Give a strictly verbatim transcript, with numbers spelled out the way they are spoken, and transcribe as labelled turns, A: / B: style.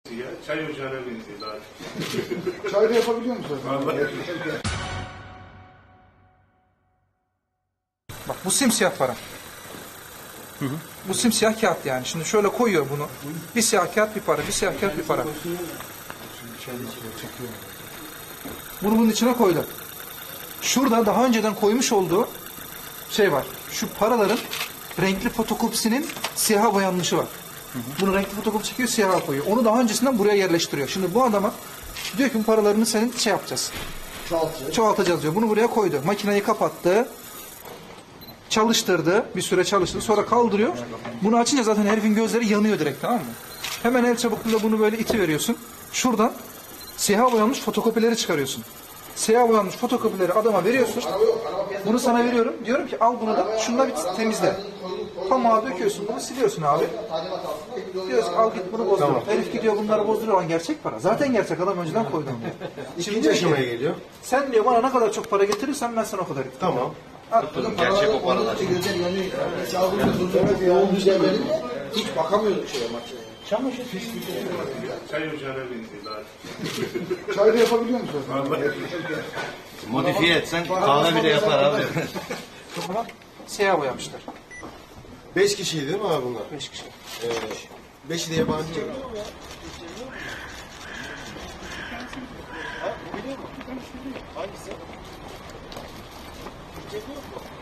A: Ya, çay ocağına benziyor daha çok.
B: Çay da yapabiliyor musun?
A: Vallahi.
C: Bak bu simsiyah para. Hı hı. Bu simsiyah kağıt yani. Şimdi şöyle koyuyor bunu. Bir siyah kağıt bir para, bir siyah kağıt bir para. Bunu bunun içine koydu. Şurada daha önceden koymuş olduğu şey var. Şu paraların renkli fotokopisinin siyaha boyanmışı var. Hı hı. Bunu renkli fotokopi çekiyor, siyaha koyuyor. Onu daha öncesinden buraya yerleştiriyor. Şimdi bu adama diyor ki bu paralarını senin şey yapacağız.
B: Çoğaltacağız.
C: Çoğaltacağız diyor. Bunu buraya koydu. Makineyi kapattı. Çalıştırdı. Bir süre çalıştırdı. Sonra kaldırıyor. Bunu açınca zaten herifin gözleri yanıyor direkt, tamam mı? Hemen el çabukluğuyla bunu böyle iti veriyorsun. Şuradan siyah boyanmış fotokopileri çıkarıyorsun. Siyah boyanmış fotokopileri adama veriyorsun. Bunu sana veriyorum. Diyorum ki al bunu da şununla bir temizle. Pamuğa döküyorsun bunu, siliyorsun abi. Diyorsun ki al git bunu bozdur. Tamam. Herif gidiyor bunları bozduruyor. Lan gerçek para. Zaten gerçek, adam önceden koydu.
D: İkinci aşamaya geliyor.
C: Sen diyor bana ne kadar çok para getirirsen ben sana o kadar getireyim.
D: Tamam.
B: Gerçek o paralar. Yoğun düzey verince hiç bakamıyorduk şeye makineye. Çamaşır pis bir şey.
A: Çay ocağına benziyor daha çok.
B: Çay da yapabiliyor musun?
A: Vallahi.
D: Modifiye etsen kahve bile yapar abi.
C: Ama siyah boyamışlar.
D: Beş kişiydi değil mi abi bunlar?
C: Beş kişi.
D: Ee, beşi de yabancı. Hangisi?